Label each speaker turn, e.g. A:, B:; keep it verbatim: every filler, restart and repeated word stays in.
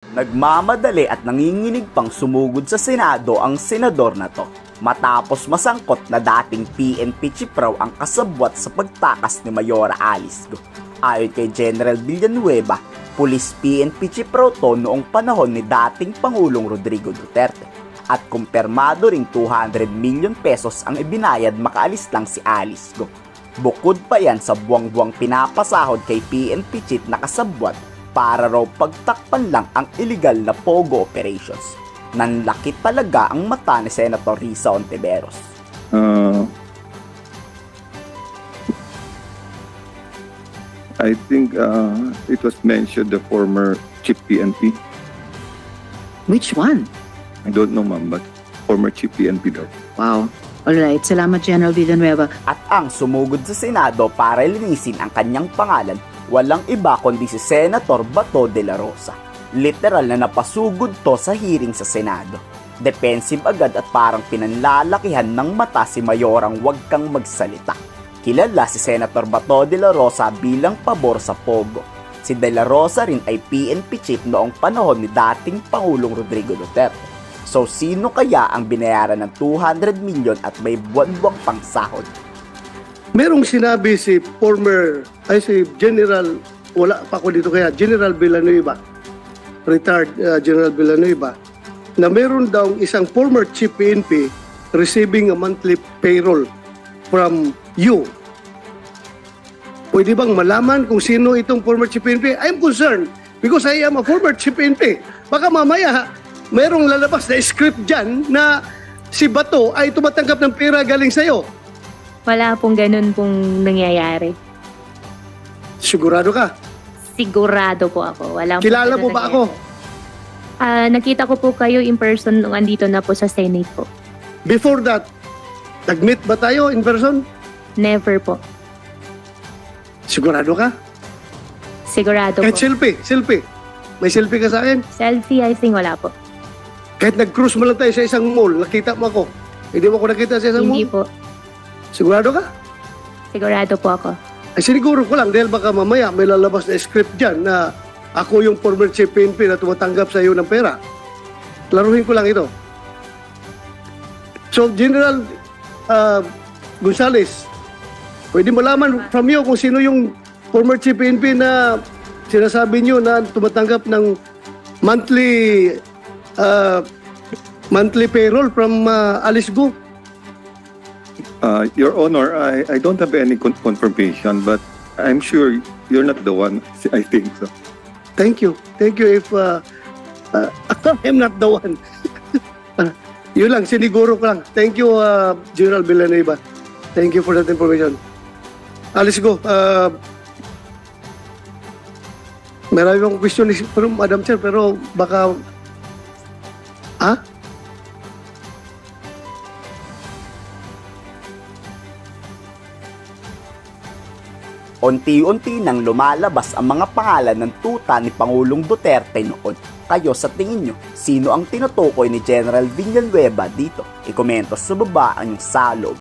A: Nagmamadali at nanginginig pang sumugod sa Senado ang senador na to matapos masangkot na dating P N P chief raw ang kasabwat sa pagtakas ni Mayora Alice Go. Ayon kay General Villanueva, Police P N P chief raw to noong panahon ni dating Pangulong Rodrigo Duterte at kumpirmado ring two hundred million pesos ang ibinayad makaalis lang si Alice Go. Bukod pa yan sa buwang-buwang pinapasahod kay P N P chief na kasabwat para raw pagtakpan lang ang illegal na Pogo operations. Nanlaki talaga ang mata ni Senator Risa Hontiveros.
B: Uh, I think uh, it was mentioned the former chief P N P.
C: Which one?
B: I don't know, ma'am, but former chief P N P daw.
C: Wow. Alright, salamat General Villanueva.
A: At ang sumugod sa Senado para linisin ang kanyang pangalan, walang iba kundi si Senator Bato de la Rosa. Literal na napasugod to sa hearing sa Senado. Defensive agad at parang pinanlalakihan ng mata si Mayorang wag kang magsalita. Kilala si Senator Bato de la Rosa bilang pabor sa Pogo. Si de la Rosa rin ay P N P chief noong panahon ni dating Pangulong Rodrigo Duterte. So sino kaya ang binayaran ng two hundred million at may buwan-buwang pang sahod?
D: Merong sinabi si former, ay si General, wala pa ako dito kaya, General Villanueva, retired uh, General Villanueva, na meron daw isang former chief P N P receiving a monthly payroll from you. Pwede bang malaman kung sino itong former chief P N P? I'm concerned because I am a former chief P N P. Baka mamaya, merong lalabas na script dyan na si Bato ay tumatanggap ng pera galing sa'yo.
E: Wala pong ganun pong nangyayari.
D: Sigurado ka?
E: Sigurado po ako. Wala
D: Kilala mo ba ako?
E: Ah, nakita ko po kayo in person nung andito na po sa Senate po.
D: Before that, nag-meet ba tayo in person?
E: Never po.
D: Sigurado ka?
E: Sigurado
D: Kahit
E: po.
D: selfie, selfie. May selfie ka sa akin?
E: Selfie, I think wala po.
D: Kahit nag-cruise mo lang tayo sa isang mall, nakita mo ako. Hindi mo ako nakita sa isang
E: Hindi
D: mall?
E: po.
D: Sigurado ka?
E: Sigurado po ako.
D: Ay siniguro ko lang dahil baka mamaya may lalabas na script dyan na ako yung former chief P N P na tumatanggap sa iyo ng pera. Laruhin ko lang ito. So, General uh, Gonzales, pwede malaman from you kung sino yung former chief P N P na sinasabi niyo na tumatanggap ng monthly uh, monthly payroll from uh, Alice Go.
B: Uh, Your Honor, I, I don't have any con- confirmation, but I'm sure you're not the one. I think so.
D: Thank you. Thank you if uh, uh, I'm not the one. Yun lang, siniguro ko lang. Thank you, uh, General Villanueva. Thank you for that information. Alice Go. Uh, marami akong question ni from Madam Chair, pero baka... Ha?
A: Unti-unti nang lumalabas ang mga pangalan ng tuta ni Pangulong Duterte noon. Kayo sa tingin nyo, sino ang tinutukoy ni General Villanueva dito? I-komento sa baba ang inyong salog.